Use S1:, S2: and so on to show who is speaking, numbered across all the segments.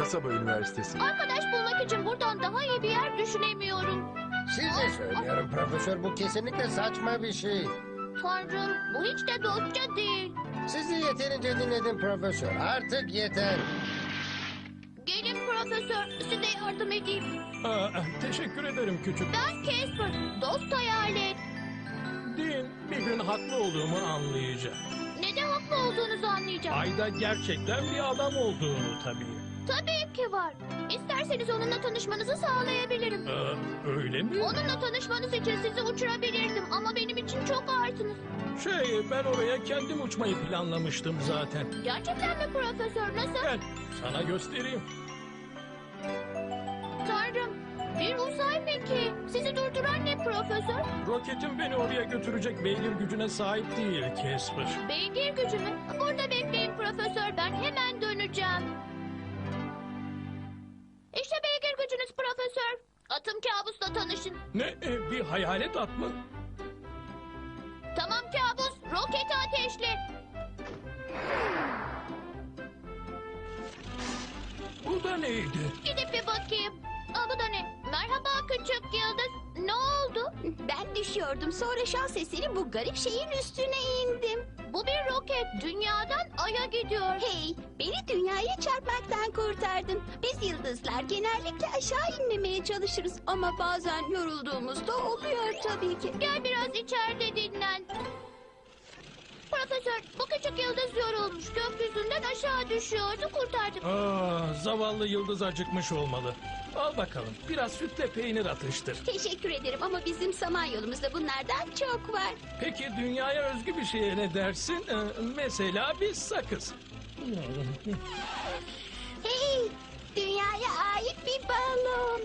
S1: Kasaba Üniversitesi.
S2: Arkadaş bulmak için buradan daha iyi bir yer düşünemiyorum.
S3: Size söylüyorum profesör, bu kesinlikle saçma bir şey.
S2: Tanrım, bu hiç de dostça değil.
S3: Sizi yeterince dinledim profesör. Artık yeter.
S2: Gelin profesör, size yardım edeyim.
S4: Teşekkür ederim küçük.
S2: Ben Casper, dost hayalet.
S4: Dean bir gün haklı olduğumu anlayacak.
S2: Neden haklı olduğunuzu anlayacağım.
S4: Ayda gerçekten bir adam olduğunu tabii.
S2: Tabii ki var. İsterseniz onunla tanışmanızı sağlayabilirim.
S4: Öyle mi?
S2: Onunla tanışmanız için sizi uçurabilirdim ama benim için çok ağırsınız.
S4: Ben oraya kendim uçmayı planlamıştım zaten.
S2: Gerçekten mi profesör? Nasıl?
S4: Gel sana göstereyim.
S2: Tanrım, bir uzay mekiği. Sizi durduran ne profesör?
S4: Roketim beni oraya götürecek beygir gücüne sahip değil Casper.
S2: Beygir gücü mü? Burada bekleyin profesör, ben hemen döneceğim. İşte beygir gücünüz profesör. Atım kabusla tanışın.
S4: Ne? Bir hayalet at mı?
S2: Tamam kabus, roketi ateşle.
S4: Bu da neydi?
S2: Gidip bir bakayım. Aa, bu da ne? Merhaba küçük yıldız. Ne oldu?
S5: Ben düşüyordum. Sonra şans eseri bu garip şeyin üstüne indim.
S2: Bu bir roket. Dünyadan Ay'a gidiyor.
S5: Hey, beni dünyaya çarpmaktan kurtardın. Biz yıldızlar genellikle aşağı inmemeye çalışırız. Ama bazen yorulduğumuzda oluyor tabii ki.
S2: Gel biraz içeride dinlen. Profesör, bu küçük yıldız yorulmuş. Gökyüzünden aşağı düşüyordu. Kurtardık.
S4: Zavallı yıldız acıkmış olmalı. Al bakalım biraz sütle peynir atıştır.
S5: Teşekkür ederim ama bizim samanyolumuzda bunlardan çok var.
S4: Peki dünyaya özgü bir şeye ne dersin? Mesela bir sakız.
S5: Hey, dünyaya ait bir balon.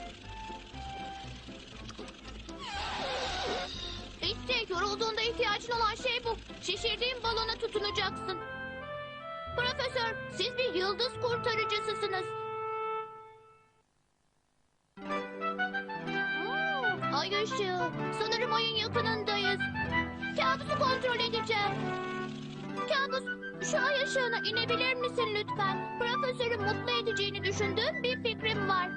S2: İşte yorulduğunda ihtiyacın olan şey bu. Şişirdiğin balona tutunacaksın. Profesör, siz bir yıldız kurtarıcısısınız. Ay ışığı. Sanırım ayın yakınındayız. Kabusu kontrol edeceğim. Kabus, şu ay ışığına inebilir misin lütfen? Profesörü mutlu edeceğini düşündüğüm bir fikrim var.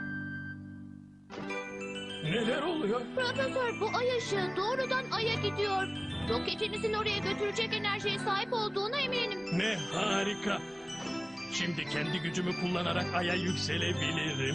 S4: Neler oluyor?
S2: Profesör, bu ay ışığı doğrudan aya gidiyor. Roketinizin oraya götürecek enerjiye sahip olduğuna eminim.
S4: Ne harika. Şimdi kendi gücümü kullanarak aya yükselebilirim.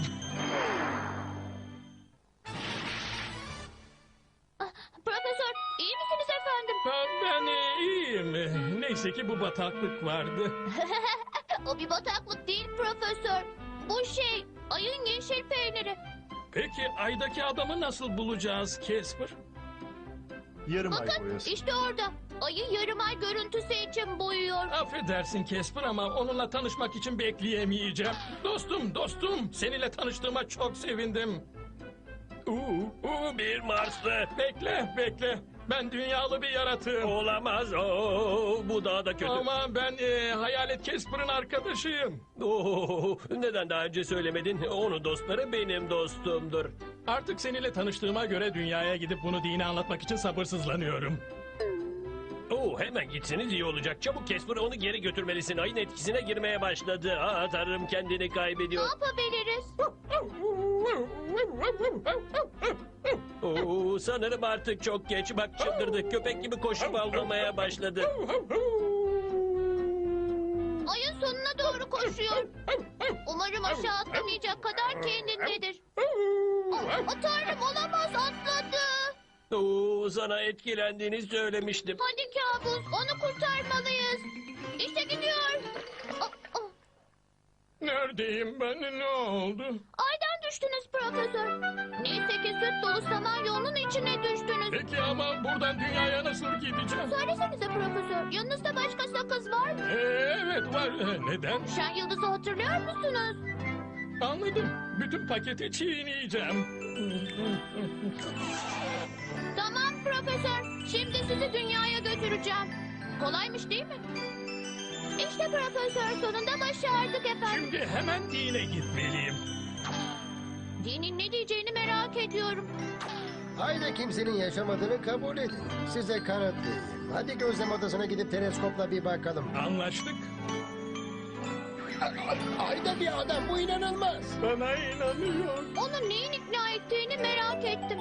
S2: Profesör, iyi misiniz efendim?
S4: Ben iyiyim. Neyse ki bu bataklık vardı.
S2: O bir bataklık değil profesör. Bu şey, ayın yeşil peyniri.
S4: Peki aydaki adamı nasıl bulacağız Casper?
S1: Yarım ay
S2: Bakın,
S1: boyası.
S2: işte orada. Ayı yarım ay görüntüsü için boyuyor.
S4: Affedersin Casper ama onunla tanışmak için bekleyemeyeceğim. Dostum, seninle tanıştığıma çok sevindim. Bir Marslı. Bekle. Ben dünyalı bir yaratığım.
S6: Olamaz. Bu daha da kötü.
S4: Ama ben Hayalet Casper'ın arkadaşıyım.
S6: Neden daha önce söylemedin? Onun dostları benim dostumdur.
S4: Artık seninle tanıştığıma göre dünyaya gidip bunu dine anlatmak için sabırsızlanıyorum.
S6: Hemen gitseniz iyi olacak. Çabuk Casper, onu geri götürmelisin. Ayın etkisine girmeye başladı. Tanrım, kendini
S2: Ne
S6: kaybediyor.
S2: yapabiliriz?
S6: Sanırım artık çok geç. Bak çıldırdı. Köpek gibi koşup avlamaya başladı.
S2: Ayın sonuna doğru koşuyor. Umarım aşağı atlamayacak kadar kendindedir. Tanrım, olamaz, atladı.
S6: Sana etkilendiğini söylemiştim.
S2: Hadi kabus, onu kurtarmalıyız. İşte gidiyor.
S4: Neredeyim ben? Ne oldu?
S2: Aydan düştünüz profesör. Neyse ki süt dolu samanyolunun içine düştünüz.
S4: Peki ama buradan dünyaya nasıl gideceğim?
S2: Söylesenize profesör, yanınızda başka sakız var mı?
S4: Evet var. Neden?
S2: Şen Yıldız'ı hatırlıyor musunuz?
S4: Anladım. Bütün paketi çiğneyeceğim.
S2: Tamam profesör, şimdi sizi dünyaya götüreceğim. Kolaymış değil mi? İşte profesör, sonunda başardık efendim.
S4: Şimdi hemen dine gitmeliyim.
S2: Dinin ne diyeceğini merak ediyorum.
S3: Ayda kimsenin yaşamadığını kabul edin. Size kanıtlayayım. Hadi gözlem odasına gidip teleskopla bir bakalım.
S4: Anlaştık.
S3: Ayda bir adam, bu inanılmaz.
S4: Bana inanıyor.
S2: Onu neyin ikna ettiğini merak ettim.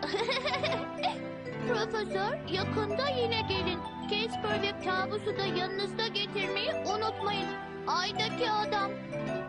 S2: Profesör, yakında yine gelin. Casper ve kabusu da yanınızda getirmeyi unutmayın. Aydaki adam.